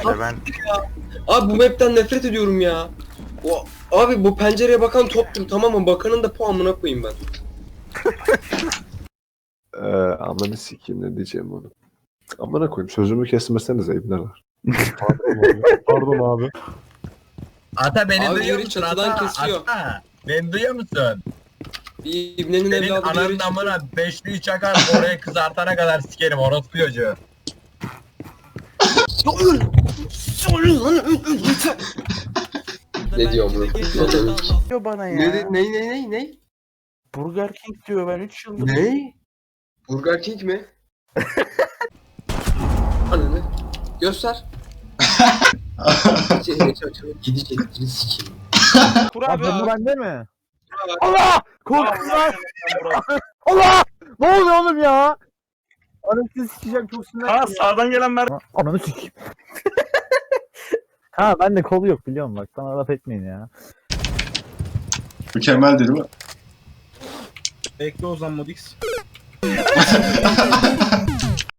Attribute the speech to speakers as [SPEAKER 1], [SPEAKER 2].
[SPEAKER 1] işte ben.
[SPEAKER 2] Abi bu map'ten nefret ediyorum ya. Abi bu pencereye bakan toptum, tamam mı? Bakanın da puanına koyayım ben.
[SPEAKER 3] Amına sikeyim, ne diyeceğim onu. Amına koyayım, sözümü kesmesenize ibneler.
[SPEAKER 4] Pardon abi.
[SPEAKER 5] Ata beni
[SPEAKER 2] Abi
[SPEAKER 5] duyuyor
[SPEAKER 2] biri
[SPEAKER 5] musun
[SPEAKER 2] çatıdan
[SPEAKER 5] Ata?
[SPEAKER 2] kesiyor.
[SPEAKER 5] Ata beni duyuyor musun?
[SPEAKER 2] Bir ibnenin
[SPEAKER 5] Senin
[SPEAKER 2] evladı bir yere
[SPEAKER 5] ananın amına beşliği çakar oraya kızartana kadar sikerim orospu çocuğu.
[SPEAKER 2] Ne diyor bu?
[SPEAKER 1] Diyor bana ya.
[SPEAKER 2] Ne?
[SPEAKER 1] Burger King diyor, ben 3 yıldır.
[SPEAKER 2] Ne? Burger King mi? Ananı. Göster. Gidecekleri sikeyim.
[SPEAKER 1] Kur abi.
[SPEAKER 6] Bu bende mi?
[SPEAKER 1] Allah! Korktum lan! Allah! Ne oluyor oğlum ya? Anasını sikeceğim, çok sinirlendim ya.
[SPEAKER 4] Sağdan gelen mer.
[SPEAKER 6] Ananı sikeyim. Ha bende kolu yok biliyorum bak. Bana laf etmeyin ya.
[SPEAKER 7] Mükemmel değil mi?
[SPEAKER 4] Bekle o zaman Modix.